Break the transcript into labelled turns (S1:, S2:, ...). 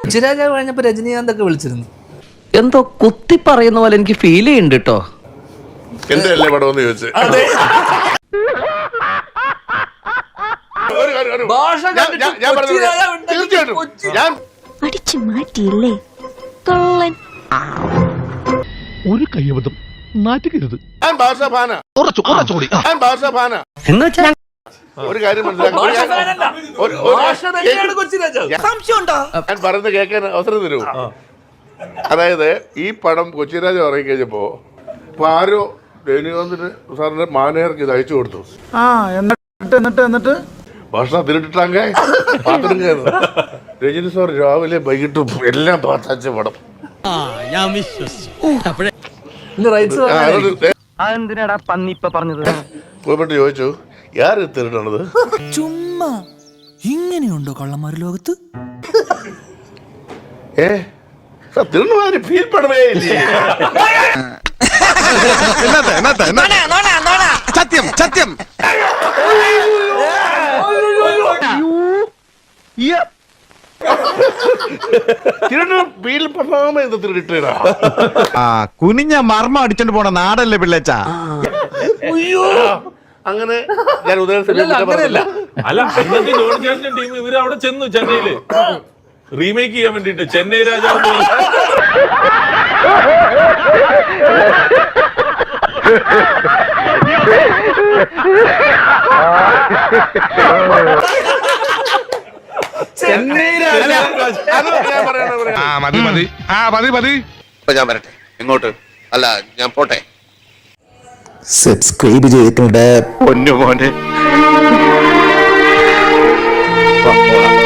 S1: കൊച്ചിരാജാവ് കഴിഞ്ഞപ്പോ രജനീകാന്ത് ഒക്കെ വിളിച്ചിരുന്നു.
S2: എന്തോ കുത്തി പറയുന്ന പോലെ എനിക്ക് ഫീൽ ചെയ്യുന്നുണ്ട് കേട്ടോ.
S3: എന്റെ അല്ലേ പടം എന്ന് ചോദിച്ചു.
S4: ഒരു കയ്യബദ്ധം നാറ്റുകരുത്.
S3: ഒരു കാര്യം ഞാൻ പറയുന്നത് കേൾക്കാൻ അവസരം തരൂ. അതായത് ഈ പടം കൊച്ചിരാജ ഇറങ്ങി കഴിഞ്ഞപ്പോ ആരോ രജനീകാന്തിന് സാറിന്റെ മാനേജർക്ക് ഇത് അയച്ചു കൊടുത്തു. എന്നിട്ട് ഭക്ഷണം തിരിട്ടിട്ടാങ്ക പാത്രം കയറുന്നു. രജനി സാർ രാവിലെ വൈകിട്ടും എല്ലാം പാത്തച്ച പടം. പോയിട്ട് ചോദിച്ചു യാര് തിരിട്ടണത്?
S1: ചുമ്മാ ഇങ്ങനെയുണ്ടോ കള്ളന്മാര് ലോകത്ത്?
S3: തിരുണമാര് ഫീൽ പടവേ ഇല്ലേ?
S4: സത്യം സത്യം.
S5: കുനിഞ്ഞ മർമ്മ അടിച്ചോണ്ട് പോണ നാടല്ലേ പിള്ളേച്ച.
S3: അങ്ങനെ ഞാൻ
S6: അല്ല ടീം ഇവര് അവിടെ ചെന്നു ചെന്നൈയില് റീമേക്ക് ചെയ്യാൻ വേണ്ടിട്ട് ചെന്നൈ രാജാവ്
S3: ഞാൻ വരട്ടെ. എങ്ങോട്ട്? അല്ല ഞാൻ പോട്ടെ.
S7: സബ്സ്ക്രൈബ് ചെയ്തിട്ടുണ്ട്
S3: പൊന്നു മോനെ.